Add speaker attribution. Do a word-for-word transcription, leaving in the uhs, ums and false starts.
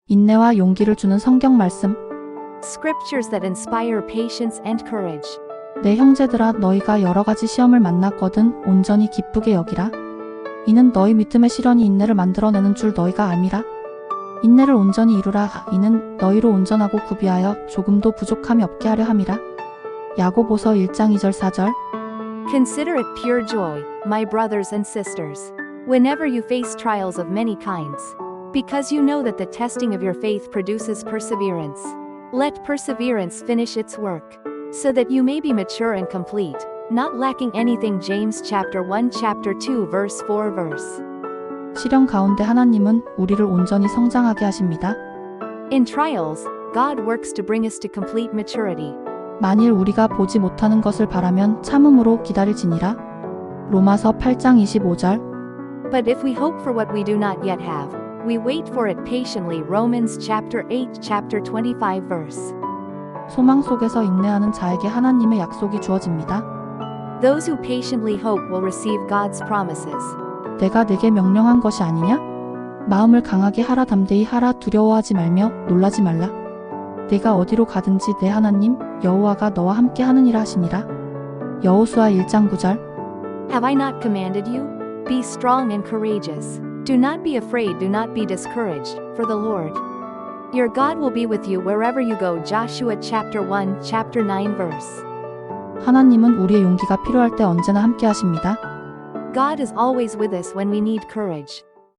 Speaker 1: 인내와 용기를 주는 성경 말씀.
Speaker 2: Scriptures that inspire patience and courage.
Speaker 1: 내 형제들아 너희가 여러 가지 시험을 만났거든 온전히 기쁘게 여기라. 이는 너희 믿음의 시련이 인내를 만들어내는 줄 너희가 알미라. 인내를 온전히 이루라. 이는 너희로 온전하고 구비하여 조금도 부족함이 없게 하려 함이라. 야고보서 일 장 이 절 사 절.
Speaker 2: Consider it pure joy, my brothers and sisters, whenever you face trials of many kinds, because you know that the testing of your faith produces perseverance. Let perseverance finish its work, so that you may be mature and complete, not lacking anything. James chapter one chapter two verse four verse.
Speaker 1: 시련 가운데 하나님은 우리를 온전히 성장하게 하십니다.
Speaker 2: In trials, God works to bring us to complete maturity.
Speaker 1: 만일 우리가 보지 못하는 것을 바라면 참음으로 기다릴지니라. 로마서 팔 장 이십오 절.
Speaker 2: But if we hope for what we do not yet have, we wait for it patiently. Romans chapter eight chapter twenty-five verse.
Speaker 1: 소망 속에서 인내하는 자에게 하나님의 약속이 주어집니다.
Speaker 2: Those who patiently hope will receive God's promises.
Speaker 1: 내가 내게 명령한 것이 아니냐? 마음을 강하게 하라 담대히 하라 두려워하지 말며 놀라지 말라. 내가 어디로 가든지 내 하나님 여호와가 너와 함께 하느니라 하시니라. 여호수아 일 장 구 절.
Speaker 2: Have I not commanded you? Be strong and courageous. Do not be afraid, do not be discouraged, for the Lord your God will be with you wherever you go. Joshua chapter one chapter nine verse.
Speaker 1: 하나님은 우리의 용기가 필요할 때 언제나 함께 하십니다.
Speaker 2: God is always with us when we need courage.